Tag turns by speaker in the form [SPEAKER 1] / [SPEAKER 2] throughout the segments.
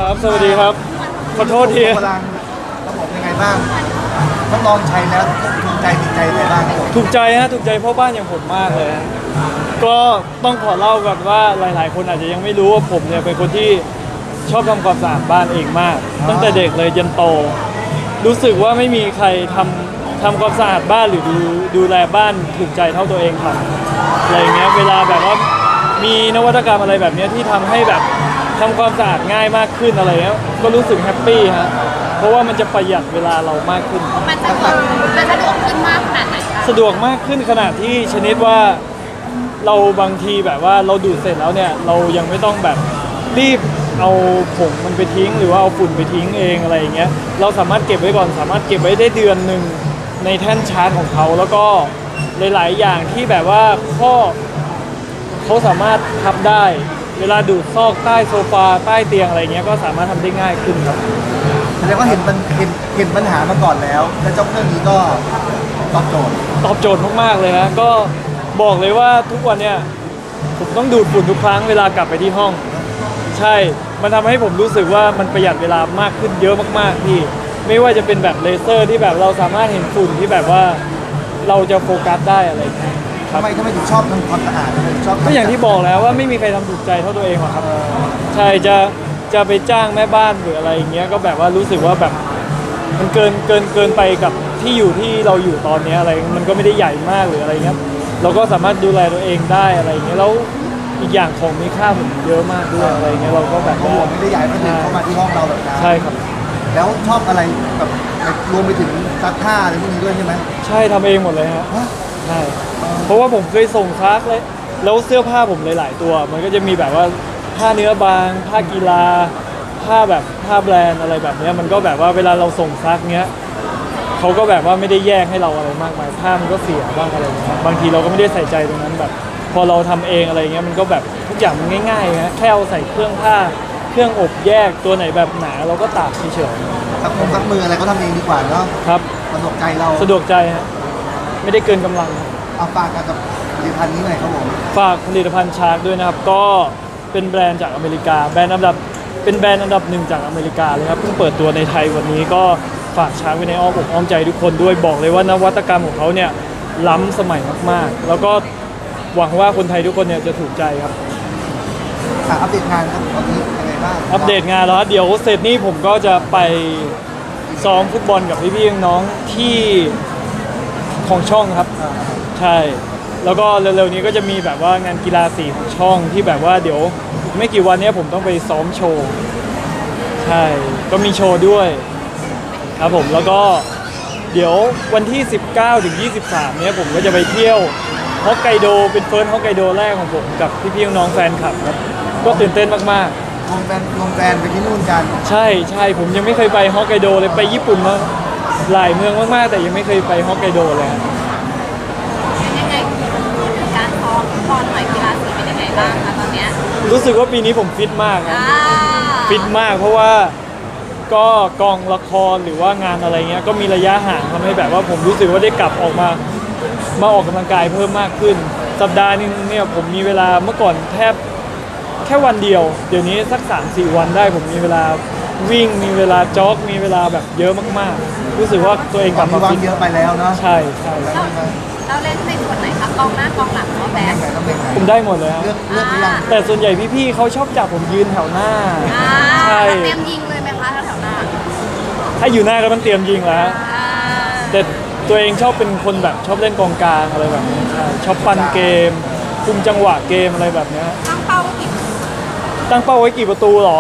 [SPEAKER 1] ครับสวัสดีครับขอโทษที
[SPEAKER 2] พลังระบบยังไงบ้างต้องลองใช้แล้วถูกใจติดใจอะไรบ้างครับผม
[SPEAKER 1] ถูกใจฮะถูกใจพ่อบ้านอย่างผมมากเลยฮะก็ต้องขอเล่าก่อนว่าหลายๆ คนอาจจะยังไม่รู้ว่าผมเนี่ยเป็นคนที่ชอบทำความสะอาดบ้านเองมาก ตั้งแต่เด็กเลยจนโต รู้สึกว่าไม่มีใครทำความสะอาดบ้านหรือดูแลบ้านถูกใจเท่าตัวเองทำอะไรอย่างเงี้ยเวลาแบบว่ามีนวัตกรรมอะไรแบบเนี้ยที่ทำให้แบบทำความสะอาดง่ายมากขึ้นอะไรเงี้ยก็รู้สึกแฮปปี้ฮะเพราะว่ามันจะประหยัดเวลาเรามากขึ้น
[SPEAKER 3] มันสะดวกขึ้นมากขนาดไหนคะ
[SPEAKER 1] สะดวกมากขึ้นขนาดที่ชนิดว่าเราบางทีแบบว่าเราดูดเสร็จแล้วเนี่ยเรายังไม่ต้องแบบรีบเอาผงมันไปทิ้งหรือว่าเอาฝุ่นไปทิ้งเองอะไรอย่างเงี้ยเราสามารถเก็บไว้ก่อนสามารถเก็บไว้ได้เดือนหนึ่งในแท่นชาร์จของเขาแล้วก็หลายๆอย่างที่แบบว่าข้อเขาสามารถพับได้เวลาดูดซอกใต้โซฟาใต้เตียงอะไรเงี้ยก็สามารถทำได้ง่ายขึ้นครับ
[SPEAKER 2] แสดงว่าเห็นปัญหามาก่อนแล้วและเจ้าเครื่องนี้ก็ตอบโจทย์
[SPEAKER 1] ตอบโจทย์มากๆเลยฮะก็บอกเลยว่าทุกวันเนี่ยผมต้องดูดฝุ่นทุกครั้งเวลากลับไปที่ห้อง ใช่ มันทำให้ผมรู้สึกว่ามันประหยัดเวลามากขึ้นเยอะมากๆพี่ไม่ว่าจะเป็นแบบเลเซอร์ที่แบบเราสามารถเห็นฝุ่นที่แบบว่าเราจะโฟกัสได้อะไรอย่างเงี้ยครั
[SPEAKER 2] ทำ
[SPEAKER 1] บ
[SPEAKER 2] ไมถึงชอบทำความสะอาดทำไมถึงชอบ
[SPEAKER 1] ก็อย่างที่บอกแล้วว่าไม่มีใครทำถูกใจเท่าตัวเองหรอกครับใช่จะไปจ้างแม่บ้านหรืออะไรอย่างเงี้ยก็แบบว่ารู้สึกว่าแบบมันเกินไปกับที่อยู่ที่เราอยู่ตอนเนี้ยอะไรมันก็ไม่ได้ใหญ่มากหรืออะไรเงี้ยเราก็สามารถดูแลตัวเองได้อะไรอย่างเงี้ยแล้วอีกอย่างของมีค่าผมเยอะมากด้วยอะไรเงี้ยเราก็แบบ
[SPEAKER 2] เขาบอกไม่ได้ใหญ่ไม่ถึงเข้ามาที่ห้องเราแบบนั้น
[SPEAKER 1] ใช่ครับ
[SPEAKER 2] แล้วชอบอะไรแบบรวมไปถึงซักผ้าอะไรพวกนี้ด้วยใช่ไหม
[SPEAKER 1] ใช่ทำเองหมดเลยฮะ
[SPEAKER 2] ฮะ
[SPEAKER 1] ใช่เพราะว่าผมเคยส่งซักเลยแล้วเสื้อผ้าผมหลายๆตัว มันก็จะมีแบบว่าผ้าเนื้อบางผ้ากีฬาผ้าแบบผ้าแบรนด์อะไรแบบเนี้ยมันก็แบบว่าเวลาเราส่งซักเนี้ยเขาก็แบบว่าไม่ได้แยกให้เราอะไรมากมายผ้ามันก็เสียบ้างอะไรอย่างเงี้ยบางทีเราก็ไม่ได้ใส่ใจตรงนั้นแบบ พอเราทำเองอะไรเงี้ยมันก็แบบทุกอย่างมันง่ายๆฮะแค่เอาใส่เครื่องผ้าเครื่องอบแยกตัวไหนแบบหนาเราก็ตากเฉย
[SPEAKER 2] ซักมืออะไรก็ทำเองดีกว่าเนาะ
[SPEAKER 1] ๆครับ
[SPEAKER 2] สะดวกใจเรา
[SPEAKER 1] สะดวกใจฮะไม่ได้เกินกำลัง
[SPEAKER 2] เอาฝากกับผลิตภัณฑ์นี้หน่อยครับผม
[SPEAKER 1] ฝากผลิตภัณฑ์ชาร์กด้วยนะครับ ก็เป็นแบรนด์จากอเมริกาเป็นแบรนด์อันดับหนึ่งจากอเมริกาเลยครับเพิ่งเปิดตัวในไทยวันนี้ก็ฝากชาร์กไว้ในอ้อมอกอ้อมใจทุกคนด้วยบอกเลยว่านวัตกรรมของเขาเนี่ยล้ำสมัยมากๆ แล้วก็หวังว่าคนไทยทุกคนเนี่ยจะถูกใจครับ
[SPEAKER 2] อัปเดตงานครับตอนนี้ยังไงบ้าง
[SPEAKER 1] อัปเดตงานแล้วเดี๋ยวเสร็จนี้ผมก็จะไปซ้อมฟุตบอลกับพี่ๆน้องๆที่ของช่องครับ ใช่ แล้วก็เร็วๆนี้ก็จะมีแบบว่างานกีฬาสีของช่องที่แบบว่าเดี๋ยวอีกไม่กี่วันเนี้ยผมต้องไปซ้อมโชว์ ใช่ ก็มีโชว์ด้วยครับผม แล้วก็เดี๋ยววันที่ 19 ถึง 23 เนี้ยผมก็จะไปเที่ยวฮอกไกโดเป็นเฟิร์สฮอกไกโดแรกของผมกับพี่ๆน้องๆแฟนคลับครับ ก็ตื่นเต้นมากๆ
[SPEAKER 2] ลงแฟนไปที่นู่นกัน
[SPEAKER 1] ใช่ใช่ผมยังไม่เคยไปฮอกไกโดเลยไปญี่ปุ่นมาหลายเมืองมากๆแต่ยังไม่เคยไปฮอกไกโดเลยฮะ
[SPEAKER 3] ยังไงพูดถึงการซ้อมฟุตบอลหน่อยกีฬาสีเป็นยังไงบ้างคะตอนเนี้ย
[SPEAKER 1] รู้สึกว่าปีนี้ผมฟิตมากครับ
[SPEAKER 3] อ่า
[SPEAKER 1] ฟิตมากเพราะว่าก็กองละครหรือว่างานอะไรเงี้ยก็มีระยะห่างทำให้แบบว่าผมรู้สึกว่าได้กลับออกมาออกกำลังกายเพิ่มมากขึ้น สัปดาห์นึงเนี่ยผมมีเวลาเมื่อก่อนแทบแค่วันเดียวเดี๋ยวนี้สัก 3-4 วันได้ผมมีเวลาวิ่งมีเวลาจ็อกมีเวลาแบบเยอะมากๆ รู้สึกว่าตัวเองกลับมา
[SPEAKER 2] ว่าง
[SPEAKER 1] ฟิต
[SPEAKER 2] เยอะไปแล้วเนาะ
[SPEAKER 1] ใช่ใช่
[SPEAKER 3] เราเล่นในส่วนไหนคะกองหน้ากองหลังหรือว่าแบ็ค
[SPEAKER 2] ไหนต้องเป็นไหน
[SPEAKER 1] ผมได้หมดเลยครับ
[SPEAKER 2] เลือกหรือยัง
[SPEAKER 1] แต่ส่วนใหญ่พี่ๆเขาชอบจับผมยืนแถวหน้า
[SPEAKER 3] อ่า
[SPEAKER 1] ใช่
[SPEAKER 3] เตรียมยิงเลยไหมคะแถวๆหน้า
[SPEAKER 1] ถ้าอยู่หน้าก็ต้องเตรียมยิงแล้ว
[SPEAKER 3] อ่า
[SPEAKER 1] แต่ตัวเองชอบเป็นคนแบบชอบเล่นกองกลางอะไรแบบนี้ใช่ชอบปั่นเกมคุมจังหวะเกมอะไรแบบเนี้ย
[SPEAKER 3] ตั้งเป้าไว้กี่
[SPEAKER 1] ตั้งเป้าไว้กี่ประตูหรอ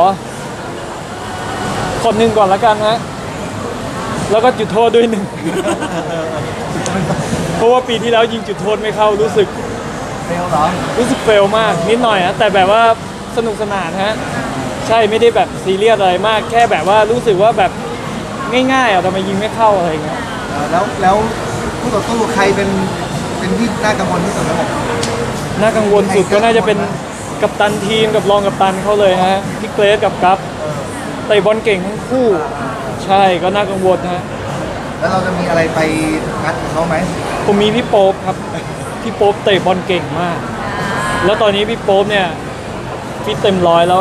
[SPEAKER 1] ขอหนึ่งก่อนละกันฮะแล้วก็จุดโทษด้วยหนึ่ง เพราะว่าปีที่แล้วยิงจุดโทษไม่เข้ารู้สึก
[SPEAKER 2] เฟลเหรอ
[SPEAKER 1] เฟลมากนิดหน่อยฮะแต่แบบว่าสนุกสนานฮะใช่ไม่ได้แบบซีเรียสอะไรมาก แค่แบบว่ารู้สึกว่าแบบง่ายๆอ่ะทำไมยิงไม่เข้าอะไรอย่างเงี้ย
[SPEAKER 2] แล้วผู้ต่อสู้ใครเป็นที่น่ากังวลที่สุดครับผม
[SPEAKER 1] น่ากังวลสุดก็น่าจะเป็นกัปตันทีมกับรองกัปตันเขาเลยฮะพี่เกรซกับกัปเตะบอลเก่งทั้งคู่ ใช่ก็น่ากังวลฮะ
[SPEAKER 2] แล้วเราจะมีอะไรไปงัดกับเขาไหม
[SPEAKER 1] ผมมีพี่โป๊ปครับพี่โป๊ปเตะบอลเก่งมาก แล้วตอนนี้พี่โป๊ปเนี่ยฟิตเต็มร้อยแล้วหาย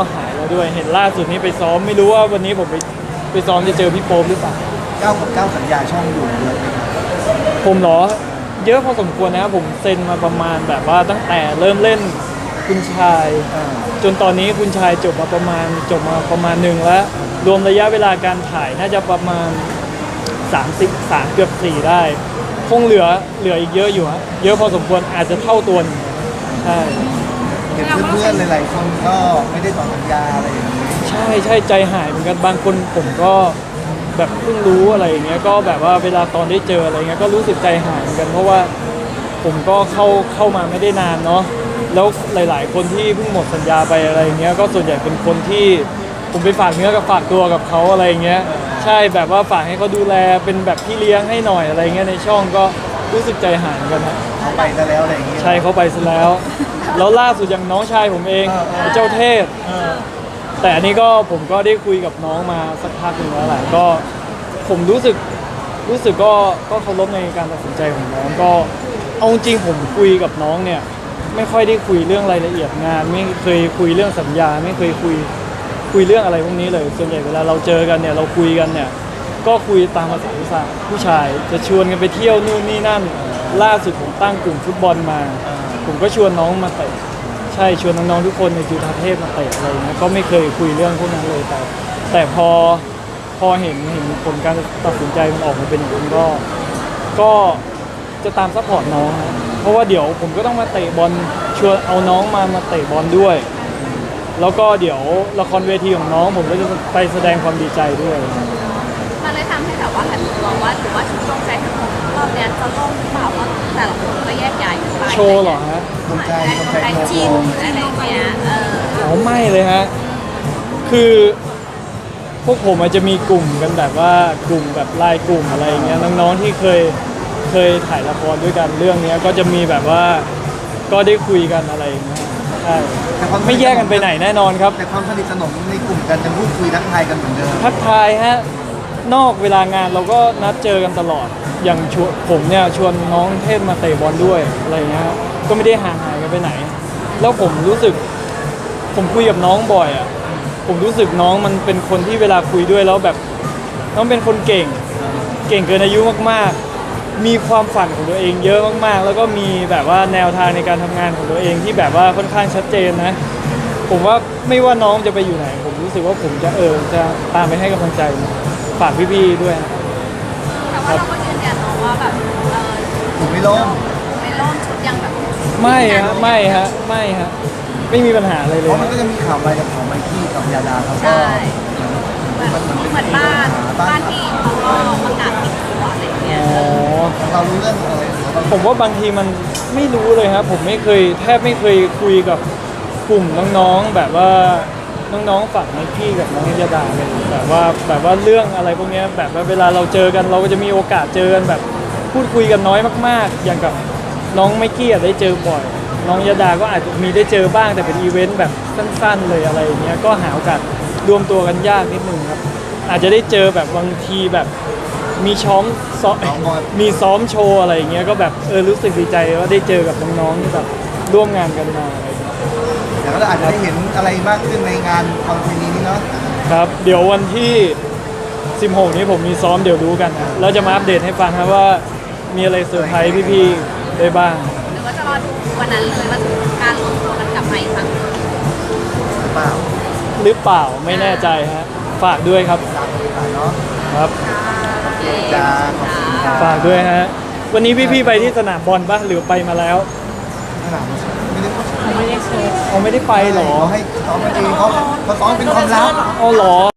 [SPEAKER 1] ด้วยเห็นล่าสุดนี้ไปซ้อมไม่รู้ว่าวันนี้ผมไปซ้อมจะเจอพี่โป๊ปหรือเปล่า
[SPEAKER 2] 9 กับ 9 สัญญาช่องอยู่เยอะไหมครับ
[SPEAKER 1] ผมเหรอเยอะพอสมควรนะครับผมเซ็นมาประมาณแบบว่าตั้งแต่เริ่มเล่นคุณชาย จนตอนนี้คุณชายจบมาประมาณหนึ่งแล้วรวมระยะเวลาการถ่ายน่าจะประมาณ33เกือบ4ได้คงเหลืออีกเยอะอยู่ฮะเยอะพอสมควรอาจจะเท่าตัวหนึ่งใช่
[SPEAKER 2] เห็นเพื่อนๆหลายๆคนก็ไม่ได้ต่อสัญญาอะไรอย่างนี้
[SPEAKER 1] ใช่ใจหายเหมือนกันบางคนผมก็แบบเพิ่งรู้อะไรอย่างเงี้ยก็แบบว่าเวลาตอนได้เจออะไรเงี้ยก็รู้สึกใจหายเหมือนกันเพราะว่าผมก็เข้ามาไม่ได้นานเนาะแล้วหลายๆ คนที่เพิ่งหมดสัญญาไปอะไรอย่างเงี้ยก็ส่วนใหญ่เป็นคนที่ผมไปฝากเนื้อกับฝากตัวกับเขาอะไรอย่างเงี้ยใช่แบบว่าฝากให้เขาดูแลเป็นแบบพี่เลี้ยงให้หน่อยอะไรเงี้ยในช่องก็รู้สึกใจหายเหมือนกันนะ
[SPEAKER 2] เขาไปซะแล้วอะไรอย่างนี้
[SPEAKER 1] ใช่เขาไปซะแล้ว แล้วล่าสุดอย่างน้องชายผมเองเจ้าเทพ แต่อันนี้ก็ผมก็ได้คุยกับน้องมาสักพักหนึ่งแล้วแหละก็ผมรู้สึกก็เคารพในการตัดสินใจของน้องก็เอาจริงผมคุยกับน้องเนี่ยไม่ค่อยได้คุยเรื่องรายละเอียดงาน ไม่เคยคุยเรื่องสัญญาไม่เคยคุยเรื่องอะไรพวกนี้เลยส่วนใหญ่เวลาเราเจอกันเนี่ยเราคุยกันเนี่ยก็คุยตามภาษาผู้ชายจะชวนกันไปเที่ยวนู่นนี่นั่นล่าสุดผมตั้งกลุ่มฟุตบอลมา ผมก็ชวนน้องมาเตะใช่ชวนน้องๆทุกคนในจุฬาเทพมาเตะอะไรอย่างเงี้ยก็ไม่เคยคุยเรื่องพวกนั้นเลยแต่พอเห็นผลการตัดสินใจมันออกมาเป็นอย่างนี้ก็จะตามซัพพอร์ตน้องนะเพราะว่าเดี๋ยวผมก็ต้องมาเตะบอลชวนเอาน้องมาเตะบอลด้วย แล้วก็เดี๋ยวละครเวทีของน้องผมก็จะไปแสดงความดีใจด้วย
[SPEAKER 3] มันเลยทำให้แบบว่าหันมองว่าถือว่าชุดลงใจทั้งหมดรอบเนี้ยจะล่มหรือเปล่าเพราะแต่ละคนก็แยกย้ายกันไป
[SPEAKER 1] โชว์เหรอฮะ
[SPEAKER 2] สนใจ
[SPEAKER 3] ใจชินอะไรอย่างเงี้ย
[SPEAKER 1] อ๋อไม่เลยฮะ คือพวกผมอาจจะมีกลุ่มกันแบบว่ากลุ่มแบบไลน์กลุ่มอะไรอย่างเงี้ยน้องๆที่เคยถ่ายละครด้วยกันเรื่องเนี้ยก็จะมีแบบว่าก็ได้คุยกันอะไรอย่างเงี้ยใช่ไม่แยกกันไปไหนแน่นอนครับ
[SPEAKER 2] แต่ความสนิทสนมในกลุ่มกันจะพูดคุยทักทายกันเหมือนเดิม
[SPEAKER 1] ทักทายฮะนอกเวลางานเราก็นัดเจอกันตลอดอย่างผมเนี่ยชวนน้องเทพมาเตะบอลด้วยอะไรอย่างเงี้ยก็ไม่ได้ห่างหายกันไปไหน แล้วผมรู้สึกผมคุยกับน้องบ่อยอ่ะผมรู้สึกน้องมันเป็นคนที่เวลาคุยด้วยแล้วแบบน้องเป็นคนเก่งเกินอายุมากๆ มีความฝันของตัวเองเยอะมากๆ แล้วก็มีแบบว่าแนวทางในการทำงานของตัวเองที่แบบว่าค่อนข้างชัดเจนนะผมว่าไม่ว่าน้องจะไปอยู่ไหนผมรู้สึกว่าผมจะจะตามไปให้กำลังใจฝากพี่ๆด้วยนะ
[SPEAKER 3] แต่ว่าเราก็ยืนยันเนาะว่าแบบ
[SPEAKER 2] ผมไม่ล้ม
[SPEAKER 3] ไม่ล่มชุดยังแบบ
[SPEAKER 1] ไม่ฮะไม่มีปัญหาอะไรเล
[SPEAKER 2] เพ
[SPEAKER 1] ย
[SPEAKER 2] ราะมันก็จะมีข่าวอะไรกับของไมค์กี้กับยาดาเขาก็
[SPEAKER 3] ใช่เหมือนบ้านที่เขาก็ประกาศปิดตัวอะไรอย่างเงี้ย
[SPEAKER 1] อ๋อ
[SPEAKER 2] เรารู้เรื่องอะไรเราก็
[SPEAKER 1] ผมว่าบางทีมันไม่รู้เลยครับผมแทบไม่เคยคุยกับกลุ่มน้องๆแบบว่าน้องๆฝั่งนักพี่กับน้องยาดาเลยแบบว่าเรื่องอะไรพวกเนี้ยแบบว่าเวลาเราเจอกันเราก็จะมีโอกาสเจอกันแบบพูดคุยกันน้อยมากๆ อย่างกับน้องไมค์กี้ได้เจอบ่อย น้องยาดาก็อาจจะมีได้เจอบ้างแต่เป็นอีเวนต์แบบสั้นๆเลยอะไรอย่างเงี้ยก็หาโอกาสรวมตัวกันยากนิดนึงครับอาจจะได้เจอแบบบางทีแบบมีมีซ้อมโชว์อะไรอย่างเงี้ยก็แบบรู้สึกดีใจว่าได้เจอกับน้องๆที่แบบร่วมงานกันมาอะไรอย่างเงี้ย
[SPEAKER 2] เดี๋ยวก็อาจจะได้เห็นอะไรมากขึ้นในงานคอนเสิร์ตนี้เนาะ
[SPEAKER 1] ครับเดี๋ยววันที่16นี้ผมมีซ้อมเดี๋ยวรู้กันนะแล้วจะมาอัปเดตให้ฟังครับว่ามีอะไรเซอร์ไพรส์พี่ๆได้บ้าง
[SPEAKER 3] หรือว่าจะรอดูวันนั้นเลยว่าการรวมตัวกันกลับมาอีกครั้ง
[SPEAKER 2] หรือเปล่า
[SPEAKER 1] หรือเปล่าไม่แน่ใจฮะฝากด้วยครับ
[SPEAKER 2] ตามบริษัทเนาะ
[SPEAKER 1] ครับ
[SPEAKER 2] จ้าขอบคุณครับ
[SPEAKER 1] ฝากด้วยฮะวันนี้พี่ๆไปที่สนามบอลปะหรือไปมาแล้ว
[SPEAKER 2] ขนาดไม่ได้พูด
[SPEAKER 1] เขาไม่ได้ไปเหรอ
[SPEAKER 2] เขาให้ซ้อมกันเองเขาซ้อมเป็นความลับ
[SPEAKER 1] อ๋อเหรอ